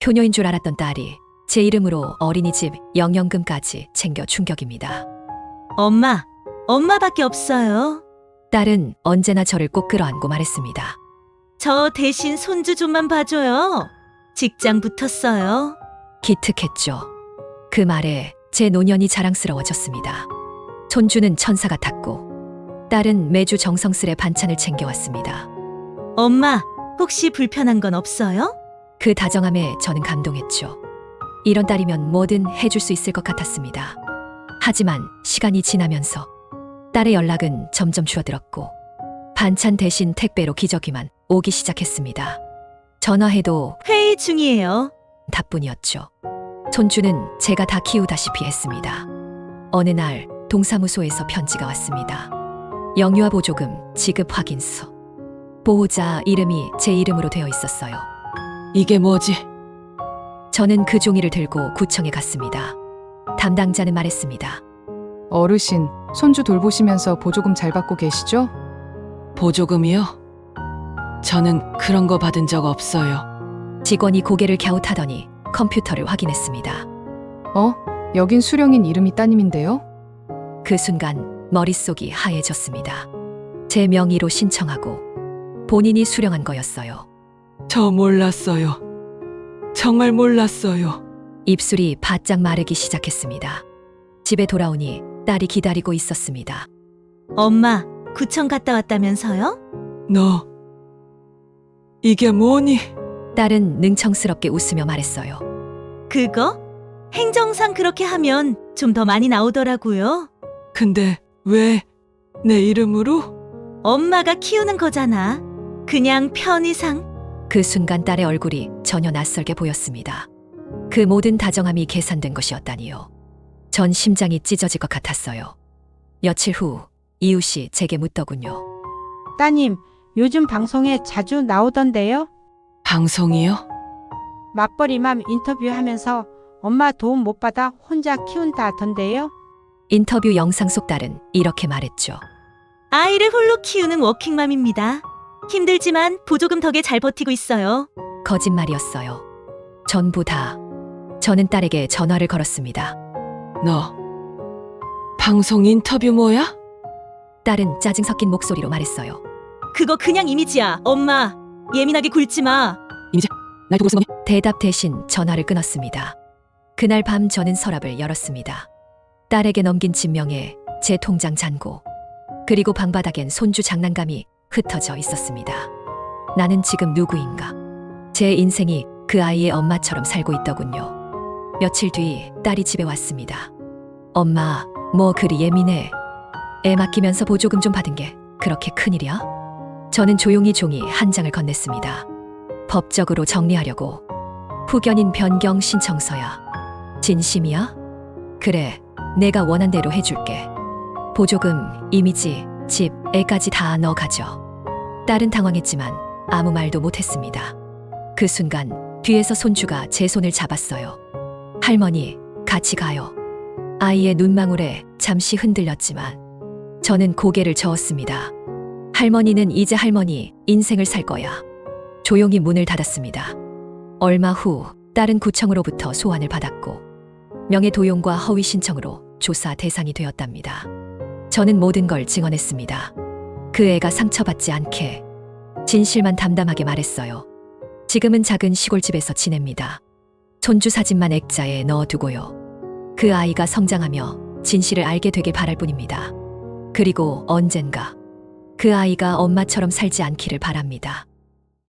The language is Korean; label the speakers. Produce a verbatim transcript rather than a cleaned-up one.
Speaker 1: 효녀인 줄 알았던 딸이 제 이름으로 어린이집 영연금까지 챙겨 충격입니다.
Speaker 2: 엄마, 엄마밖에 없어요.
Speaker 1: 딸은 언제나 저를 꼭 끌어안고 말했습니다.
Speaker 2: 저 대신 손주 좀만 봐줘요. 직장 붙었어요.
Speaker 1: 기특했죠. 그 말에 제 노년이 자랑스러워졌습니다. 손주는 천사 같았고 딸은 매주 정성스레 반찬을 챙겨왔습니다.
Speaker 2: 엄마, 혹시 불편한 건 없어요?
Speaker 1: 그 다정함에 저는 감동했죠. 이런 딸이면 뭐든 해줄 수 있을 것 같았습니다. 하지만 시간이 지나면서 딸의 연락은 점점 줄어들었고 반찬 대신 택배로 기저귀만 오기 시작했습니다. 전화해도
Speaker 2: 회의 중이에요.
Speaker 1: 답뿐이었죠. 손주는 제가 다 키우다시피 했습니다. 어느 날 동사무소에서 편지가 왔습니다. 영유아 보조금 지급 확인서. 보호자 이름이 제 이름으로 되어 있었어요.
Speaker 3: 이게 뭐지?
Speaker 1: 저는 그 종이를 들고 구청에 갔습니다. 담당자는 말했습니다.
Speaker 4: 어르신, 손주 돌보시면서 보조금 잘 받고 계시죠?
Speaker 3: 보조금이요? 저는 그런 거 받은 적 없어요.
Speaker 1: 직원이 고개를 갸웃하더니 컴퓨터를 확인했습니다.
Speaker 4: 어? 여긴 수령인 이름이 따님인데요?
Speaker 1: 그 순간 머릿속이 하얘졌습니다. 제 명의로 신청하고 본인이 수령한 거였어요.
Speaker 3: 저 몰랐어요. 정말 몰랐어요.
Speaker 1: 입술이 바짝 마르기 시작했습니다. 집에 돌아오니 딸이 기다리고 있었습니다.
Speaker 2: 엄마, 구청 갔다 왔다면서요?
Speaker 3: 너, 이게 뭐니?
Speaker 1: 딸은 능청스럽게 웃으며 말했어요.
Speaker 2: 그거? 행정상 그렇게 하면 좀 더 많이 나오더라고요.
Speaker 3: 근데 왜 내 이름으로?
Speaker 2: 엄마가 키우는 거잖아. 그냥 편의상.
Speaker 1: 그 순간 딸의 얼굴이 전혀 낯설게 보였습니다. 그 모든 다정함이 계산된 것이었다니요. 전 심장이 찢어질 것 같았어요. 며칠 후 이웃이 제게 묻더군요.
Speaker 5: 따님, 요즘 방송에 자주 나오던데요?
Speaker 3: 방송이요?
Speaker 5: 맞벌이맘 인터뷰하면서 엄마 도움 못 받아 혼자 키운다던데요?
Speaker 1: 인터뷰 영상 속 딸은 이렇게 말했죠.
Speaker 2: 아이를 홀로 키우는 워킹맘입니다. 힘들지만 보조금 덕에 잘 버티고 있어요.
Speaker 1: 거짓말이었어요. 전부 다. 저는 딸에게 전화를 걸었습니다.
Speaker 3: 너, 방송 인터뷰 뭐야?
Speaker 1: 딸은 짜증 섞인 목소리로 말했어요.
Speaker 2: 그거 그냥 이미지야, 엄마. 예민하게 굴지 마.
Speaker 3: 날 두고 쓴 거니?
Speaker 1: 대답 대신 전화를 끊었습니다. 그날 밤 저는 서랍을 열었습니다. 딸에게 넘긴 진명에 제 통장 잔고, 그리고 방바닥엔 손주 장난감이 흩어져 있었습니다. 나는 지금 누구인가? 제 인생이 그 아이의 엄마처럼 살고 있더군요. 며칠 뒤 딸이 집에 왔습니다. 엄마, 뭐 그리 예민해? 애 맡기면서 보조금 좀 받은 게 그렇게 큰일이야? 저는 조용히 종이 한 장을 건넸습니다. 법적으로 정리하려고. 후견인 변경 신청서야. 진심이야? 그래, 내가 원한 대로 해줄게. 보조금, 이미지, 집, 애까지 다 너 가져. 딸은 당황했지만 아무 말도 못했습니다. 그 순간 뒤에서 손주가 제 손을 잡았어요. 할머니, 같이 가요. 아이의 눈망울에 잠시 흔들렸지만 저는 고개를 저었습니다. 할머니는 이제 할머니 인생을 살 거야. 조용히 문을 닫았습니다. 얼마 후 딸은 구청으로부터 소환을 받았고 명예도용과 허위 신청으로 조사 대상이 되었답니다. 저는 모든 걸 증언했습니다. 그 애가 상처받지 않게 진실만 담담하게 말했어요. 지금은 작은 시골집에서 지냅니다. 손주 사진만 액자에 넣어두고요. 그 아이가 성장하며 진실을 알게 되길 바랄 뿐입니다. 그리고 언젠가 그 아이가 엄마처럼 살지 않기를 바랍니다.